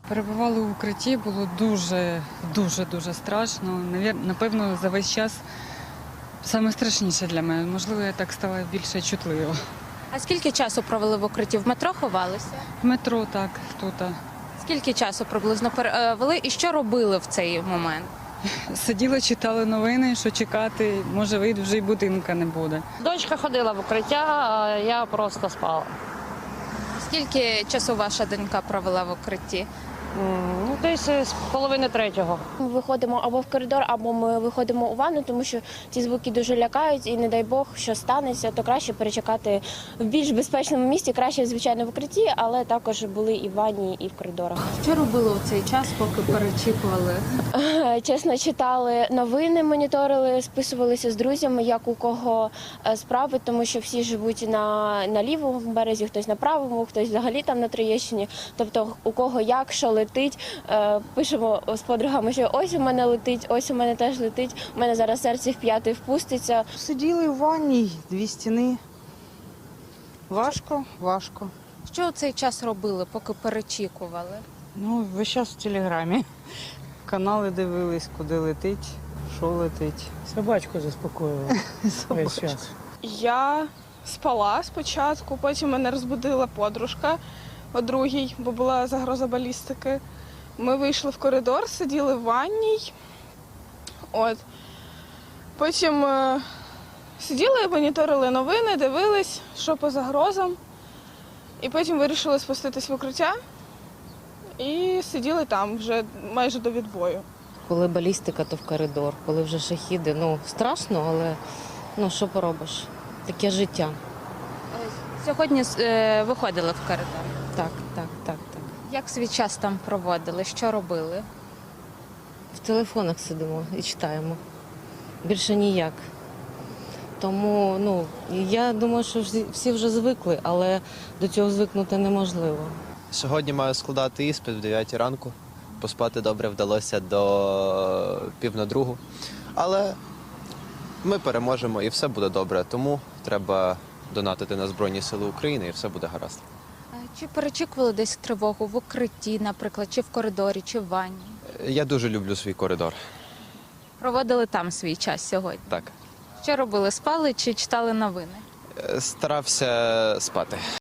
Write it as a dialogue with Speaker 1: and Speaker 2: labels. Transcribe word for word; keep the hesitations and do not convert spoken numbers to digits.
Speaker 1: Перебували в укритті, було дуже, дуже, дуже страшно. Навір- Напевно, за весь час саме страшніше для мене. Можливо, я так стала більше чутлива.
Speaker 2: А скільки часу провели в укритті? В метро ховалися?
Speaker 1: В метро так, тут.
Speaker 2: Скільки часу приблизно провели і що робили в цей момент?
Speaker 1: Сиділи, читали новини, що чекати, може вийду, вже й будинка не буде.
Speaker 3: Дочка ходила в укриття, а я просто спала.
Speaker 2: Скільки часу ваша донька провела в укритті?
Speaker 3: М, Ну, десь з половини третього.
Speaker 4: Ми виходимо або в коридор, або ми виходимо у ванну, тому що ці звуки дуже лякають, і не дай Бог, що станеться, то краще перечекати в більш безпечному місці, краще, звичайно, в укритті, але також були і в ванні, і в коридорах.
Speaker 2: Що робили у цей час, поки перечікували?
Speaker 4: Чесно, читали новини, моніторили, списувалися з друзями, як у кого е, справи, тому що всі живуть на, на лівому березі, хтось на правому, хтось взагалі там на Троєщині. Тобто у кого як, що летить, е, пишемо з подругами, що ось у мене летить, ось у мене теж летить, у мене зараз серце в п'ятий впуститься.
Speaker 5: Сиділи в ванні, дві стіни. Важко, важко.
Speaker 2: Що у цей час робили, поки перечікували?
Speaker 5: Ну, весь час в телеграмі. Канали дивились, куди летить, що летить.
Speaker 6: Собачку заспокоювала весь час.
Speaker 7: Я спала спочатку, потім мене розбудила подружка о другій, бо була загроза балістики. Ми вийшли в коридор, сиділи в ванній. От. Потім е, сиділи, моніторили новини, дивились, що по загрозам. І потім вирішили спуститись в укриття і сиділи там вже майже до відбою.
Speaker 3: Коли балістика, то в коридор. Коли вже шахіди, ну, страшно, але ну, що поробиш? Таке життя.
Speaker 2: Сьогодні е, виходили в коридор.
Speaker 3: Так, так, так, так.
Speaker 2: Як свій час там проводили? Що робили?
Speaker 3: В телефонах сидимо і читаємо. Більше ніяк. Тому, ну, я думаю, що всі- всі вже звикли, але до цього звикнути неможливо.
Speaker 8: Сьогодні маю складати іспит в дев'ятій ранку. Поспати добре вдалося до пів на другу. Але ми переможемо і все буде добре. Тому треба донатити на Збройні Сили України і все буде гаразд.
Speaker 2: А Чи перечікували десь тривогу в укритті, наприклад, чи в коридорі, чи в ванні?
Speaker 8: Я дуже люблю свій коридор.
Speaker 2: Проводили там свій час сьогодні.
Speaker 8: Так.
Speaker 2: Що робили? Спали чи читали новини?
Speaker 8: Старався спати.